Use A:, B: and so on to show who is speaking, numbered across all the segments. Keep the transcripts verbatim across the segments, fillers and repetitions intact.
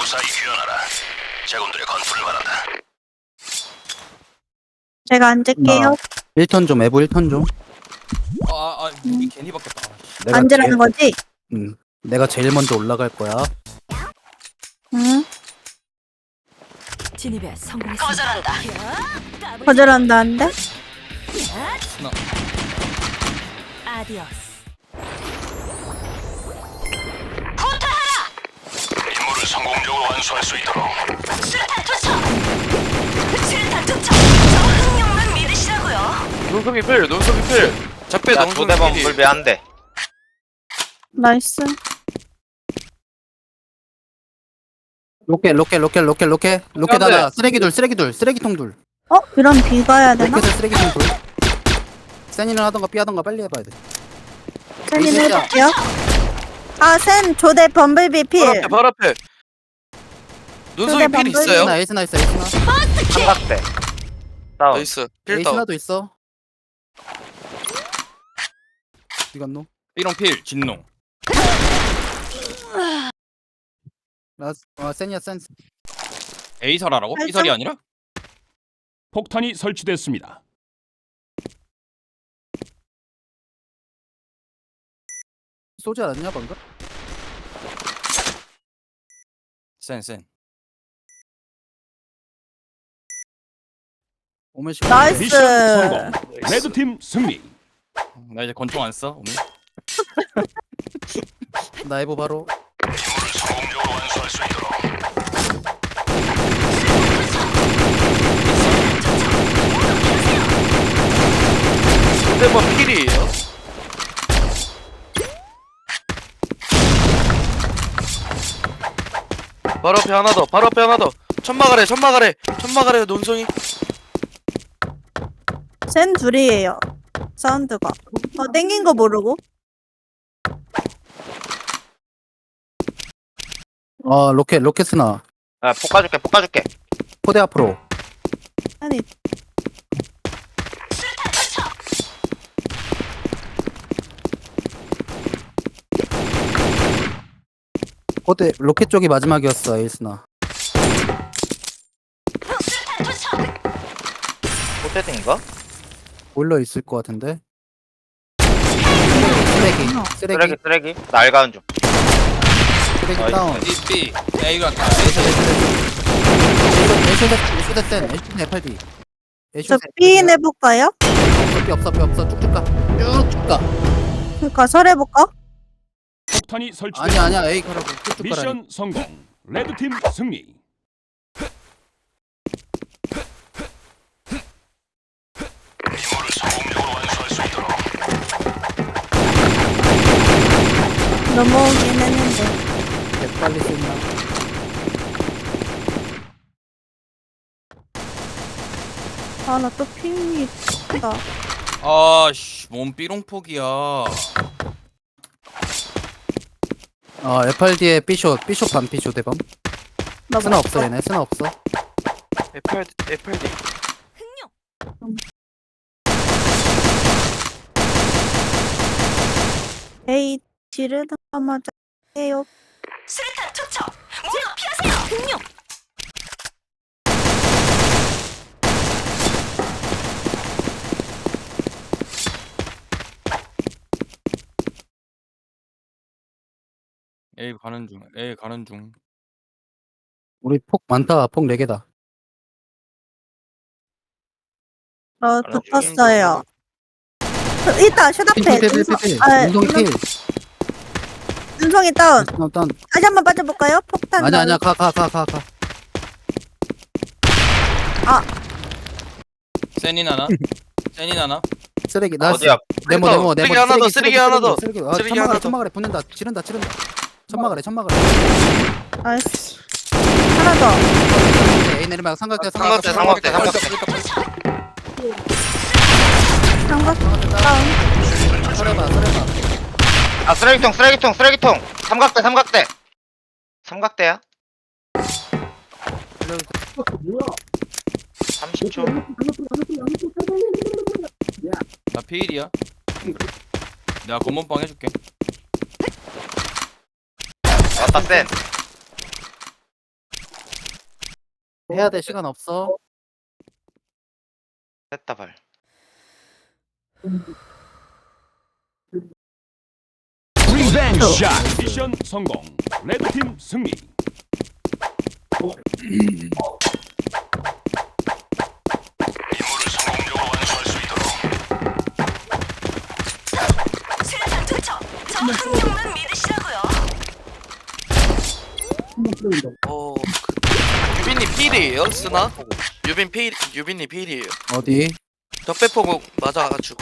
A: 무사히 귀환하라. 제군들의 건투를 바란다.
B: 제가 앉을게요.
C: 일 턴 좀, 에보 일 턴 좀.
D: 아, 아, 무기 괜히 바뀌었다.
C: 내가
B: 앉으라는
C: 제일,
B: 거지?
C: 응. 내가 제일 먼저 올라갈 거야.
B: 응.
E: 진입에 성공했습니다. 거절한다.
B: 거절한다는데?
D: 스나.
E: 아디오스.
A: 임무를 성공적으로 완수할 수 있도록.
E: 수류탄 투척. 수류탄 투척. 저 흥룡만 믿으시라고요.
D: 눈썹이 필, 눈썹이 필. 작배
F: 야,
D: 너무
F: 두 대만 불배 한 대.
B: 나이스.
C: 로켓, 로켓, 로켓, 로켓, 로켓. 로켓
D: 안 돼.
C: 하나. 쓰레기 둘, 쓰레기 둘, 쓰레기통 둘.
B: 어? 이런 비 가야 되나?
C: 로켓에 쓰레기통 둘. 센이는 하던가 삐 하던가 빨리 해봐야 돼.
B: 센이는
C: 이 셋이야.
B: 해볼게요. 아, 센 조대 범블비 필.
D: 발 앞에, 발 앞에. 눈썹이 필
B: 방금
D: 있어요?
C: 에이스나, 에이스나 있어, 에이스나.
F: 삼각대. 다운.
D: 나이스. 필 다운.
C: 에이스나도 있어. 이건노?
D: B롱 필, 진농.
C: 나, 어, 센이야, 센.
D: A설하라고?
B: 살짝-
D: B설이 아니라?
G: 폭탄이 설치됐습니다.
C: 쏘지 않았냐, 방금?
D: 센, 센.
C: 오면 시간.
B: 나이스.
G: 미션 성공. 레드팀 승리.
D: 나 이제 권총 안 써, 오늘.
C: 나 에보 바로.
A: 임무를 성공적으로 완수할 수 있도록.
D: 두 대만 필이에요? 바로 앞에 하나 더, 바로 앞에 하나 더. 천막 아래, 천막 아래, 천막 아래 논송이.
B: 센 둘이에요. 사운드가. 어, 땡긴 거 모르고.
C: 어, 로켓, 로켓스나.
F: 야, 폭 가줄게, 폭 가줄게.
C: 포대 앞으로.
B: 아니,
C: 포대, 로켓 쪽이 마지막이었어, 에이스나.
F: 포테딩인가?
C: 보일러 있을 것 같은데. 쓰레기, 쓰레기,
F: 쓰레기, 쓰레기. 나 알가는 중.
C: 쓰레기
F: 나이스.
C: 다운.
D: B, B. A가
C: 에이쇼, 에이쇼, 에이쇼, 에이쇼, 에이쇼, 센, 에이쇼, 에프알디. 에이쇼,
B: 저
C: 센,
B: B 해볼까요?
C: 삐 없어, 삐 없어, 쭉쭉 가. 쭉쭉 가.
B: 그니까 설해볼까?
G: 폭탄이 설치됐습니다.
C: 아니야, 아니야, 에이 가라고. 쭉쭉 가라.
G: 미션 성공. 레드팀 승리.
A: 임무를 성공적으로 완수할 수 있도록.
B: 넘어오긴 했는데.
C: 개 빨리 쓰냐.
B: 아, 나 또 핑이 크다.
D: 아, 씨, 뭔 B롱 폭이야.
C: 어, 에프알디에 삐쇼, 삐쇼 반 삐쇼 대범.
B: 나
C: 스나
B: 뭐-
C: 없어, 얘네. 스나 없어.
D: F F D.
B: 에이, 지르자마자 해요.
E: 수류탄 투척. 모두 피하세요. 흥룡.
D: A 가는 중, A 가는 중.
C: 우리 폭 많다. 폭 네 개다.
B: 저 붙었어요. 저, 있다, 슛앞에.
C: 필필필필필.
B: 아,
C: 운동이 필.
B: 눈송이 다운.
C: 다운, 다운.
B: 다시 한번 빠져볼까요? 폭탄.
C: 아니야,
B: 다운.
C: 아니야. 가, 가, 가, 가, 가.
D: 센인 하나. 센인 하나.
C: 쓰레기. 나
F: 어디야?
C: 네모,
D: 쓰레기
C: 네모,
D: 쓰레기
C: 네모.
D: 하나 더, 쓰레기 하나 더.
C: 쓰레기. 아,
D: 쓰레기
C: 천막
D: 하나
C: 아래,
D: 더.
C: 천막 아래 붙는다. 지른다, 지른다. 천막 아래, 천막 아래.
B: 나이스. 하나 더.
C: A 내리막 삼각대,
F: 삼각대, 삼각대, 삼각대.
B: 삼각 다운.
C: 설해봐, 설해봐.
F: 아, 쓰레기통, 쓰레기통, 쓰레기통. 삼각대, 삼각대. 삼각대야? 삼십 초.
D: 나 피일이야. 내가 검은빵 해줄게.
F: 왔다, 센.
C: 해야 돼 시간 없어.
F: 됐다 발.
G: 리벤지 샷. 미션 성공. 레드팀 승리.
A: 임무를 성공적으로 완수할 수 있도록.
E: 수류탄 투척. 저 흥룡만 믿으시라고요.
D: 어, 그, 유빈님 필이에요, 쓰나? 유빈 필, 유빈님 필이에요.
C: 어디?
D: 적배포 맞아가지고.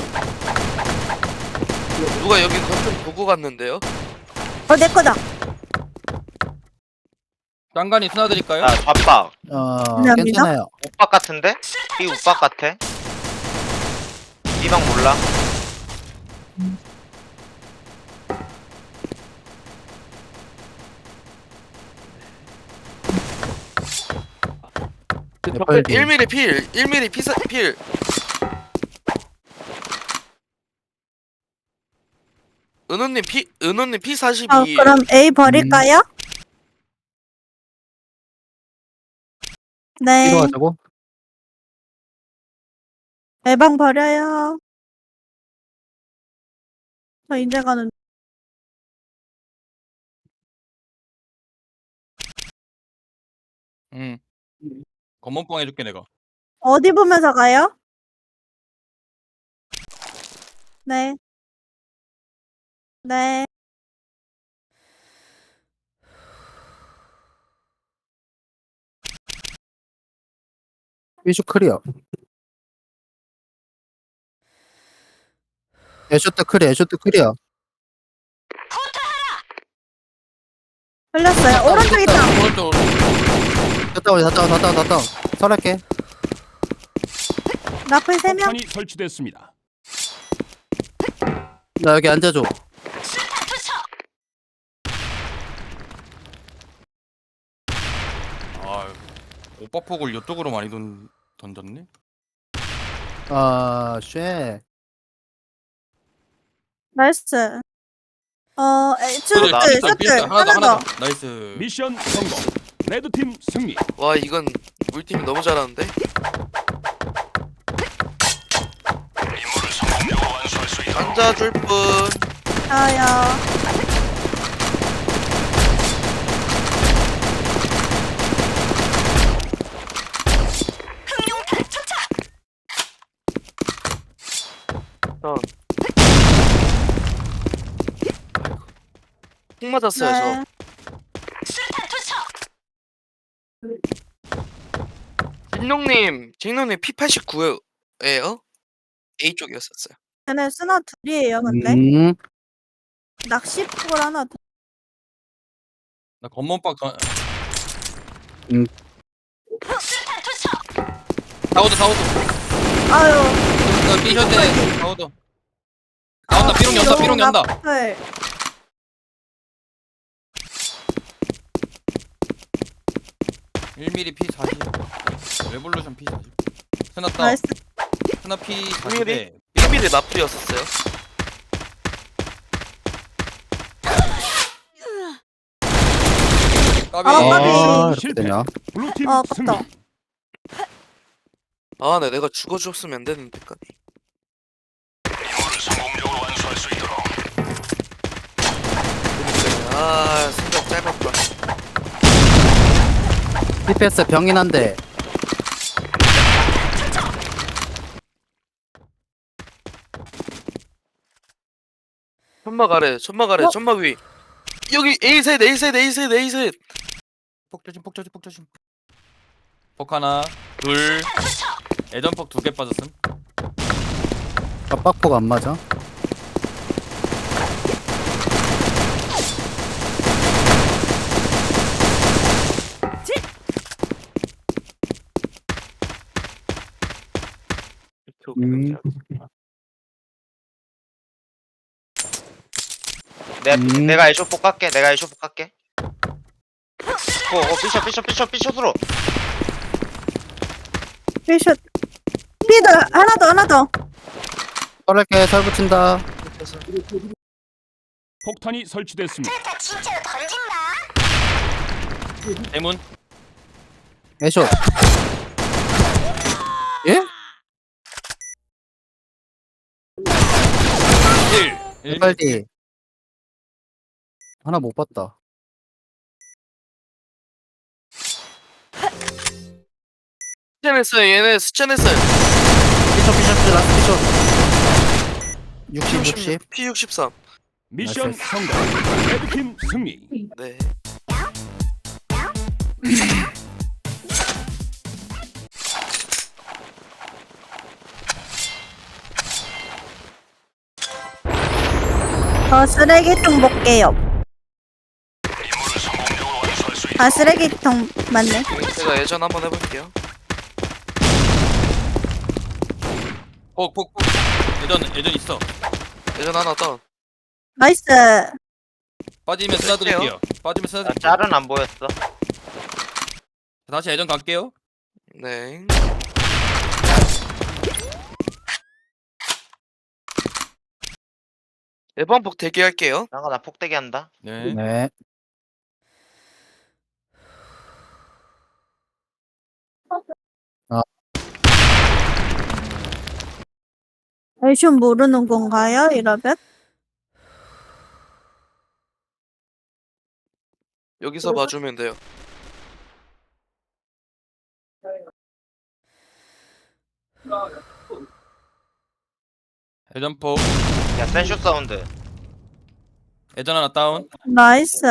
D: 누가 여기 건좀 보고 갔는데요?
B: 어, 내 거다.
H: 딴간이 스나드릴까요?
F: 야 좌박.
C: 어
B: 감사합니다.
C: 괜찮아요.
F: 우박 같은데? 이 우박 같아. 이방 몰라.
C: 에프알디.
D: 일 밀리미터 필, 일 밀리미터 피사, 필. 은호님 피, 은호님 피 사십이.
B: 어, 그럼 A 버릴까요? 네.
C: 필요하자고?
B: A방 버려요. 저 이제 가는.
H: 응. 검은빵 해줄게 내가.
B: 어디 보면서 가요? 네. 네.
C: 위슈 클리어. 애쇼트 클리어. 애쇼트 클리어.
B: 흘렸어요. 오른쪽 있다.
H: 오른쪽.
C: 갔다 오자. 갔다 와. 갔다 와. 갔다 와. 설할게.
B: 나풀 세 명.
G: 폭탄이 설치됐습니다.
C: 나 여기 앉아줘.
E: 수류탄 투척.
H: 아, 오빠 폭을 이쪽으로 많이 던 던졌네.
C: 아 쉣.
B: 나이스. 어, 에이, 슈트,
F: 나-
B: 슈트.
H: 하나 더
B: 하나
H: 하나
B: 더.
H: 더. 나이스.
G: 미션 성공. 레드팀 승리.
D: 와, 이건 우리 팀이 너무 잘하는데?
A: 임무를 성공적으로 완수할 수 있도록.
D: 앉아줄 분.
B: 저요.
E: 흥룡탄 투척.
D: 어. 폭 맞았어요,
B: 네.
E: 수류탄 투척.
D: 저. 진룡님, 진룡님 피 팔십구예요? A 쪽이었었어요.
B: 쟤네 스나 둘이에요, 근데.
C: 음.
B: 낚시폭을 하나 더.
H: 나 검은빵 던.
E: 수류탄 투척.
H: 사우드 사우드.
B: 아유.
H: 그 삐셔대 사우드. 나온다. 삐롱 연다. 삐롱 연다.
B: 네.
H: 일 밀리미터 피 사십. 레볼루션 피 사십. 스나 다운.
B: 나이스.
H: 스나 피
D: 일
H: 사십에.
D: 일 밀리미터 나풀이었었어요.
H: 까비.
B: 아, 까비.
C: 아 이렇게
G: 실패.
C: 되냐?
G: 블루팀
B: 어,
G: 승리.
B: 아깝다.
D: 아, 네, 내가 죽어줬으면 안 되는데, 까비.
A: 임무를 성공적으로 완수할 수 있도록.
D: 아, 생각 짧았다.
C: 티피에스 병인 한데.
D: 천막 아래, 천막 아래,
B: 어?
D: 천막 위. 여기 A셋, A셋, A셋, A셋.
H: 폭 조심 폭 조심 폭 조심. 폭 하나 둘. 애전폭 두 개 빠졌음.
C: 압박포가 안 맞아. 음.
F: 내,
C: 음.
F: 내가 애쇼폭 갈게. 내가 애쇼폭 갈게. 어, 어, 삐셔, 삐셔, 삐셔, 삐셔으로.
B: 피슛. 피드 하나 더, 하나 더.
C: 설할게. 설 붙인다.
G: 폭탄이 설치됐습니다.
E: 수류탄 진짜로 던진다.
H: 대문.
C: 애쇼. 예?
H: 일.
C: 빨리. 하나 못 봤다.
D: 스캔했어요. 얘네 스캔했어요.
C: 피셔 피셔 라스트 피셔. 육십 육십.
D: 피 육십삼.
G: 미션
C: 나이스.
G: 성공. 레드팀 승리.
D: 네.
B: 저 쓰레기통 볼게요.
A: 임무를 성공적으로 완수할 수 있도록
B: 아, 쓰레기통 맞네.
D: 제가 예전 한번 해볼게요.
H: 폭폭폭. 예전 예전 있어.
D: 예전 하나 다운.
B: 나이스.
H: 빠지면 쓰나드릴게요. 빠지면
F: 나
H: 쓰나드릴게요.
F: 짤은 안 보였어.
H: 다시 예전 갈게요.
D: 네. 예방폭 대기할게요.
F: 나가 나 폭대기 한다.
H: 네.
C: 네.
B: 애쇼 모르는 건가요? 이러면?
D: 여기서 봐주면 돼요.
H: 예전 폭.
F: 야 센쇼 사운드.
H: 예전 하나 다운.
B: 나이스.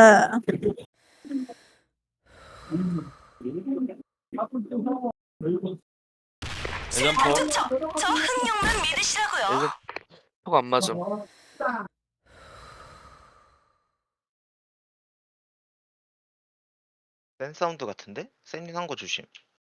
H: 예전 폭.
E: 저, 저 흥룡만 믿으시라고요.
D: 예전 폭 안 맞음.
F: 센 사운드 같은데? 센인 한거 조심.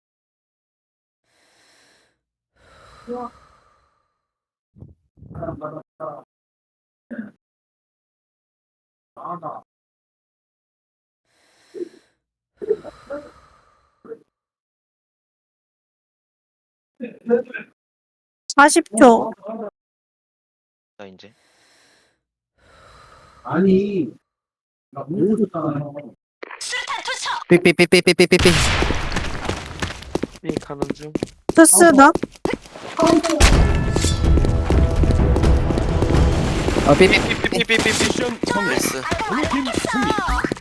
B: 사십 초.
F: 나 이제.
E: 수류탄 투척.
C: 삐삐삐삐삐삐삐.
D: 이 가는 중.
B: 투스나?
C: 아 삐삐.
D: 삐삐삐삐삐.
G: 미션 성공.
D: 나이스.
G: 블루팀 승리.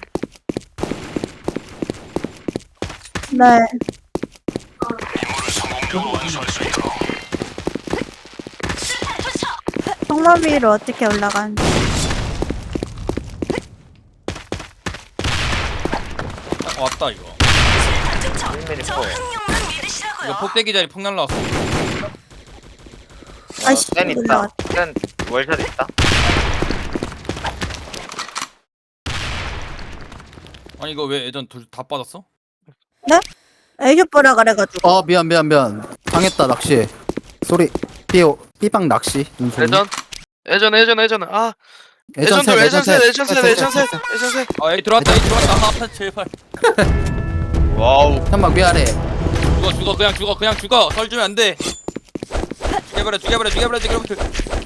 B: 네.
A: 임무를 성공적으로 완수할 수 있도록
E: 수류탄 투척.
B: 통로 위로 어떻게 올라가는지.
H: 아, 왔다 이거.
E: 수류탄 투척.
F: 일 미리
E: 저
F: 포.
E: 흥룡만 믿으시라고요.
H: 이거 폭대기 자리 폭 날라왔어.
B: 아이씨,
F: 센 있다.
B: 올라왔다.
F: 센 월샷 있다.
H: 아니 이거 왜 예전 둘 다 빠졌어?
B: 애쇼 보라 그래가지고.
C: 어 미안 미안 미안. 당했다 낚시. 소리. 삐오 삐방 낚시. 눈소리.
D: 예전. 예전 예전 예전. 아.
C: 예전
D: 예전
C: 셋
D: 둘 예전 셋 예전 셋
C: 셋,
D: 예전
C: 셋,
D: 셋 예전 셋.
H: 아 여기 들어왔다 여기 들어왔다. 아 제발.
F: 와우.
C: 한방 위아래.
H: 죽어 죽어 그냥 죽어 그냥 죽어. 설 주면 안 돼. 죽여버려 죽여버려 죽여버려 죽여버려.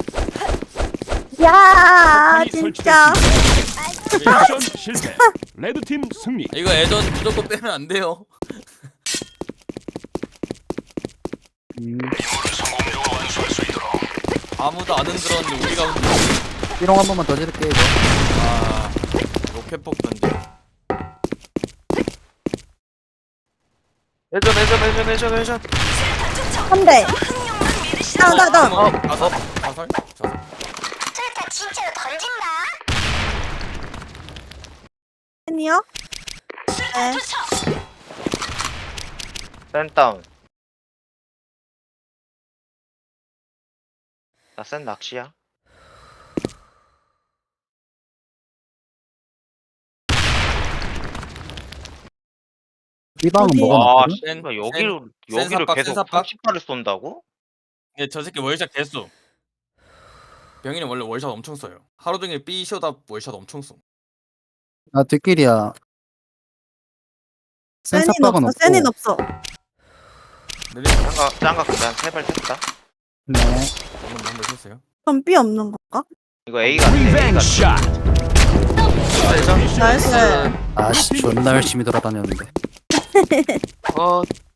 B: 야,
G: 폭탄이
B: 진짜.
G: 설치됐습니다. 미션 실패. 레드팀 승리.
H: 이거 예전 무조건 빼면 안 돼요.
C: 음,
A: 임무를 성공적으로 완수할 수 있도록
H: 아무도 안 흔들었는데 우리가 흔들어.
C: 삐롱 한 번만 더 지를게 이거.
H: 아 로켓폭 던져.
D: 예전 예전 예전 예전 예전.
E: 수류탄 투척.
B: 한 대.
E: 저 흥룡만 믿으시라고요.
B: 나, 나, 나.
H: 어 가설 가설 가설.
E: 수류탄 진짜로 던진다.
B: 팬이요?
E: 수류탄
B: 네.
E: 투척.
F: 센 다운. 나 센 낚시야.
C: 삐방은
B: 어디?
C: 뭐가
F: 와,
C: 났거든?
H: 센-
F: 씨발 여기로
H: 센
F: 여기로
H: 삽박,
F: 계속
H: 센 삽박.
F: 삼십 발을 쏜다고?
H: 예, 저 새끼 월샷 개수. 병인이 원래 월샷 엄청 써요. 하루 종일 B 쇼다 월샷 엄청 써.
C: 나 뒷길이야. 센
B: 센인
C: 삭박은
B: 없어,
C: 없고.
B: 센인 없어.
H: 내리
F: 짱가 짱가 그냥 세발 샜다.
C: 네.
H: 방금 한번 했어요.
B: 그럼 B 없는 건가?
F: 이거 A 같아. A
G: 리벤지
F: 같아.
G: 샷.
D: 예전.
B: 나이스.
C: 아씨 존나 열심히 돌아다녔는데.
D: 어 컷.